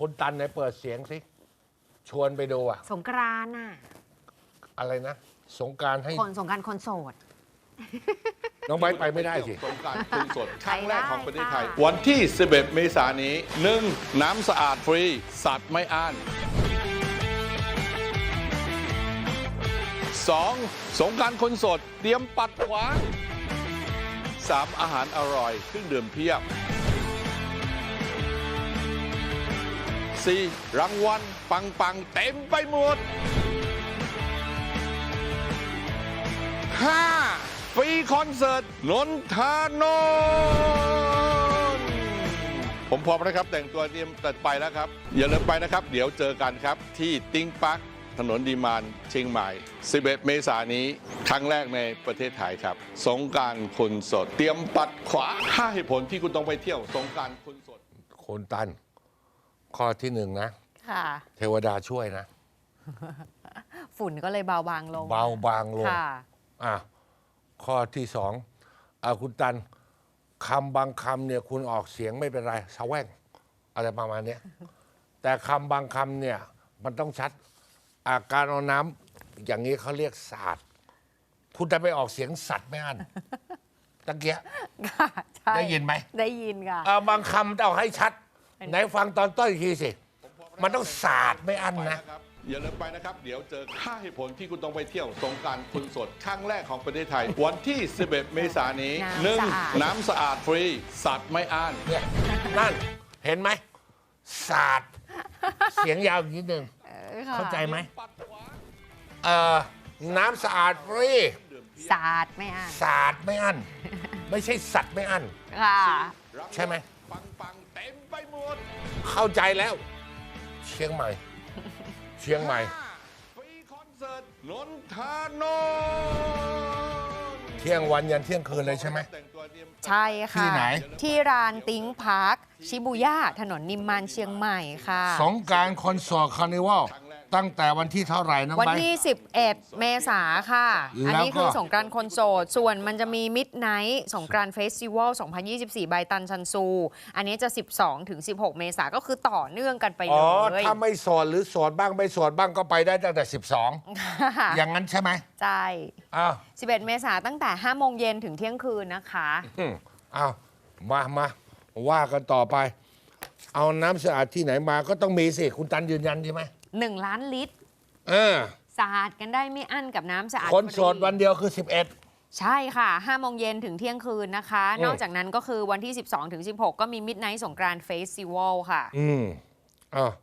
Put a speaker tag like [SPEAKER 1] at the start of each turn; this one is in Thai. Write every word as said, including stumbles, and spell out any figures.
[SPEAKER 1] คุณตันไหนเปิดเสียงสิชวนไปดูอะ
[SPEAKER 2] สงกรานต์น่ะ
[SPEAKER 1] อะไรนะสงกรานต์ให้
[SPEAKER 2] คนสงกรานต์คนโสด
[SPEAKER 1] น้องไบร์ทไปไม่ได้สิ
[SPEAKER 3] สงกรานต์คนสดครั้งแรกของประเทศไทย
[SPEAKER 2] ไปได้ค่ะ
[SPEAKER 3] วันที่ สิบเอ็ด เมษายนนี้ หนึ่ง น้ำสะอาดฟรี สัตว์ไม่อ้าน สอง สงกรานต์คนสด เตรียมปัดขวาง สาม อาหารอร่อยเครื่องดื่มเพียบ สี่ รางวัลปังปังๆเต็มไปหมด ห้า ฟรีคอนเสิร์ตนนทานนท์ผมพร้อมนะครับ แต่งตัวเตรียมตัดไปแล้วครับ อย่าลืมไปนะครับ เดี๋ยวเจอกันครับ ที่ติ้งปักถนนดีมานเชียงใหม่ สิบเอ็ด เมษายนนี้ ครั้งแรกในประเทศไทยครับ สงกรานต์คนสด เตรียมปัดขวาห้าเหตุผลที่คุณต้องไปเที่ยวสงกรานต์คนสด
[SPEAKER 1] คุณตันข้อที่หนึ่งนะ
[SPEAKER 2] ค่ะ
[SPEAKER 1] เทวดาช่วยนะ
[SPEAKER 2] ฝุ่นก็เลยเบาบางลง
[SPEAKER 1] เบาบางลง
[SPEAKER 2] ค่ะ
[SPEAKER 1] อ่ะข้อที่สองอาคุณตันคำบางคำเนี่ยคุณออกเสียงไม่เป็นไรสะแว่งอะไรประมาณเนี้ย แต่คำบางคำเนี่ยมันต้องชัดอาการเอาน้ำอย่างนี้เขาเรียกศาสตร์คุณจะไปออกเสียงสัตว์ไม่อันตะเกีย
[SPEAKER 2] ค่ะใช่
[SPEAKER 1] ได้ยินไหม
[SPEAKER 2] ได้ยินค่ะ
[SPEAKER 1] เอาบางคำต้องให้ชัดไหนฟังตอนต้นอีกทีสิมันต้องศาสตร์ไม่อันนะ
[SPEAKER 3] อย่าลืมไปนะครับ เดี๋ยวเจอห้าเหตุผลที่คุณต้องไปเที่ยวสงกรานต์คนสดครั้งแรกของประเทศไทย วันที่ สิบเอ็ด เมษายนนี้ หนึ่ง น้ำสะอาดฟรี สัตว์ไม่อ้าน
[SPEAKER 1] เนี่ยนั่นเห็นไหมศาสตร์เสียงยาวอีกนิดนึง
[SPEAKER 2] ออค่ะ
[SPEAKER 1] เข้าใจไหมเอ่อน้ำสะอาดฟรี
[SPEAKER 2] ศาสตร์ไม่อ่าน
[SPEAKER 1] ศาสตร์ไม่อั้นไม่ใช่สัตว์ไม่อั้น
[SPEAKER 2] ค่ะ
[SPEAKER 1] ใช่ไหม
[SPEAKER 3] ปังปังๆเต็มไปหมด
[SPEAKER 1] เข้าใจแล้ว เชียงใหม่ เชียงใหม่
[SPEAKER 3] ฟรีคอนเสิร์ตนนทานนท์
[SPEAKER 1] เที่ยงวันยันเที่ยงคืนเลยใช่ไหม
[SPEAKER 3] แต่งตัวเตรียม
[SPEAKER 2] ใช่ค่ะ
[SPEAKER 1] ที่ไหน
[SPEAKER 2] ที่ร้านติ้งพาร์คชิบูย่าถนนนิมมานเชียงใหม่ค่ะ
[SPEAKER 1] สงกรานต์คอนเสิร์ตคาร์นิวัลตั้งแต่วันที่เท่าไหร่น้อง
[SPEAKER 2] วัน
[SPEAKER 1] ไบร์ท
[SPEAKER 2] ที่ สิบเอ็ด เมษาค่ะ อันนี้
[SPEAKER 1] แล้วก็
[SPEAKER 2] คือสงกรานต์คนโสด ส่วนมันจะมีมิดไนท์สงกรานต์เฟสติวัล สองพันยี่สิบสี่ ใบตันชันซู อันนี้จะ สิบสองถึงสิบหก เมษาก็คือต่อเนื่องกันไปเล
[SPEAKER 1] อ๋อย ถ้าไม่โสดหรือโสดบ้างไม่โสดบ้างก็ไปได้ตั้งแต่สิบสองอย่างนั้นใช่ไหม
[SPEAKER 2] ใช่
[SPEAKER 1] อ้าว
[SPEAKER 2] สิบเอ็ด เมษาตั้งแต่ ห้าโมงเย็นถึงเที่ยงคืนนะคะ
[SPEAKER 1] อืมอ้าวมามาว่ากันต่อไป เอาน้ำสะอาดที่ไหนมาก็ต้องมีสิคุณตันยืนยันใช่ไหม
[SPEAKER 2] หนึ่ง ล้านลิตร
[SPEAKER 1] เออ
[SPEAKER 2] สะอาดกันได้ไม่อั้นกับน้ำสะอาด
[SPEAKER 1] คนโสดวันเดียวคือสิบเอ็ด
[SPEAKER 2] ใช่ค่ะ ห้าโมงเย็นถึงเที่ยงคืนนะคะ
[SPEAKER 1] อืม
[SPEAKER 2] นอกจากนั้นก็คือวันที่ สิบสองถึงสิบหก ก็มีมิดไนท์สงกรานต์เฟสติวัลค่ะ
[SPEAKER 1] อืมอ่า